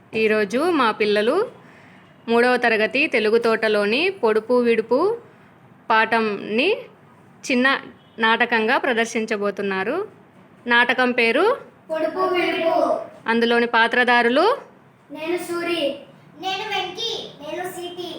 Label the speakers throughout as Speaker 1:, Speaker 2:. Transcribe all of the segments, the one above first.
Speaker 1: ఈరోజు మా పిల్లలు 3వ తరగతి తెలుగు తోటలోని పొడుపు విడుపు పాఠంని చిన్న నాటకంగా ప్రదర్శించబోతున్నారు. నాటకం పేరు
Speaker 2: పొడుపు విడుపు.
Speaker 1: అందులోని పాత్రధారులు
Speaker 2: నేను సూరి, నేను వెంకి, నేను సీతి.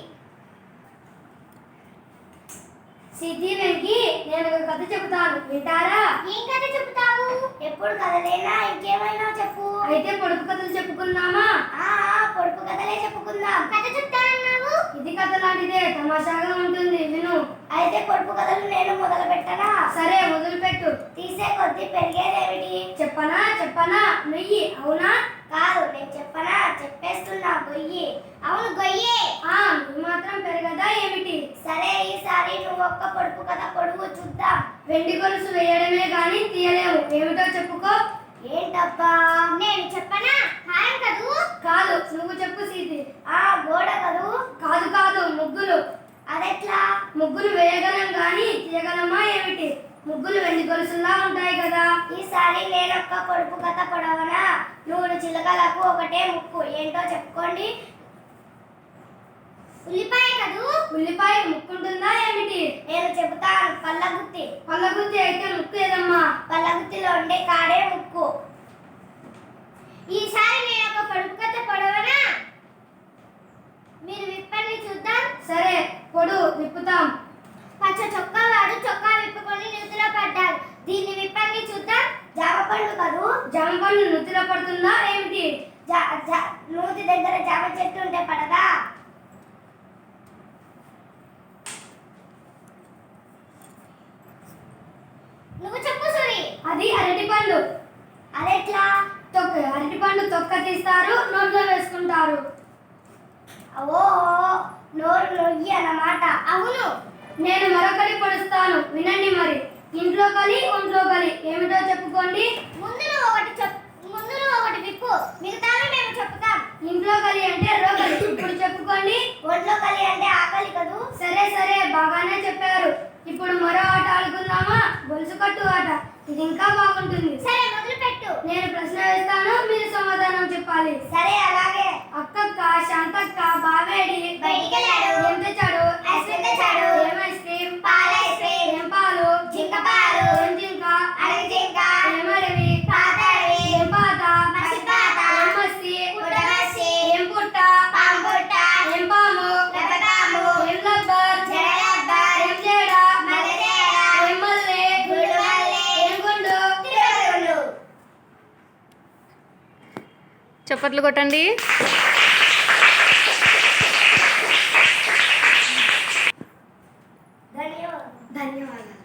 Speaker 2: సీతి వెంకి, నేను ఒక కథ చెబుతాను, వింటారా? ఏం కథ చెబుతావు? ఎప్పుడు కథలేనా ఇంకేమైనా చెప్పు. అయితే పొడుపు కథలు చెప్పుకుందామా? పొడుపు కథలే చెప్పుకుందాం. కథ చెప్తానన్నావు? ఇది కథ లాంటిదే, తమాషాగా ఉంటుంది, విను. అయితే పొడుపు కథలు నేను మొదలు పెట్టనా? సరే, మొదలు పెట్టు. తీసే కొద్దీ పెరిగేదేమిటి? చెప్పనా నుయ్యి. అవునా? కాదు, నేను చెప్పనా? చెప్పేస్తున్నా, గొయ్యి. అవును, గొయ్యే. నువ్వు మాత్రం పెరగదా ఏమిటి? సరే, ఈసారి నువ్వు ఒక్క పొడుపు కథ పొడుగు చూద్దాం. వెండి గొలుసు వేయడమే గాని తీయలేము. ఏమిటో చెప్పుకో. ఏంటబ్బా? నేను చెప్పనా? హాయం కదూ? కాదు, నువ్వు చెప్పు సీతి. గోడ కదూ? కాదు, ముగ్గులు. అదెట్లా? ముగ్గులు వేయగలం గాని తీయగలమా ఏమిటి? ముగ్గులు వెండి గొలుసులా ఉంటాయి కదా. ఈసారి నేనొక్క పొడుపు కథ పొడవనా? 3 చిలకలకు ఒకటే ముక్కు. ఏంటో చెప్పుకోండి. ఉల్లిపాయ కదూ? ఉల్లిపాయ ముక్కుంటుందా ఏమిటి? నేను చెబుతాను, పల్లగుత్తి. పల్లగుత్తి అయితే ముక్కు ఏదమ్మా? పల్లగుత్తిలో ఉండే కాడే ముక్కు. ఈసారి నేను ఒక పొడుపు కథ పొడవనా? మీరు విప్పండి చూద్దాం. సరే, విప్పుతాం. పచ్చ చొక్కా వాడు చొక్కా విప్పుకొని నూతిలో పడ్డాడు. దీన్ని విప్పండి చూద్దాం. జామ పండు కదూ? జామ పండు నూతిలో పడుతుందా ఏమిటి? నూతి దగ్గర జామ చెట్టు ఉంటే పడదా? నువ్వు చెప్పు సూరి. అది అరటిపండు. అదెట్లా? అరటిపండు తొక్క తీస్తారు, నోట్లో వేసుకుంటారు. ఓహో, నోరు నొయ్యి అన్నమాట. అవును. నేను మరొకటి పొడుస్తాను, వినండి మరి. ఇంట్లో కలి, ఒంట్లో కలి. ఏమిటో చెప్పుకోండి. ముందు నువ్వు ఒకటి విప్పు, మిగతావి మేము చెప్పుతాం. ఇంట్లో కలి అంటే రోగలి. ఇప్పుడు చెప్పుకోండి. ఒంట్లో కలి అంటే ఆకలి కదూ? సరే, బాగానే చెప్పారు. ఇప్పుడు మరో ఆట ఆడుకుందామా? గొలుసు కట్టు ఆట. ఇది ఇంకా బాగుంటుంది. సరే, మొదలు పెట్టు. నేను ప్రశ్న వేస్తాను, మీరు సమాధానం చెప్పాలి. సరే, అలాగే. అక్కక్క, శాంతక్క, బావేడి బయటికి వెళ్ళాడు. ఏం తెచ్చాడు? ఐస్ క్రీమ్ తెచ్చాడు. ఏం ఐస్ క్రీమ్? పాల ఐస్ క్రీమ్. ఏం పాలు? జింక పాలు. ఏం జింక? అడవి జింక. ఏం అడవి? పాత అడవి. ఏం పాత? మసి పాత. ఏం మసి? పుట్ట మసి. ఏం పుట్ట? పాము పుట్ట. ఏం పాము? లబ్బపాము. ఏం లబ్బర్? జడ లబ్బర్. ఏం జడ? మల్లె జడ. ఏం మల్లె? గుండు మల్లె. ఏం గుండు? తిరుగుడు.
Speaker 1: చప్పట్లు కొట్టండి.
Speaker 2: ధన్యవాదాలు.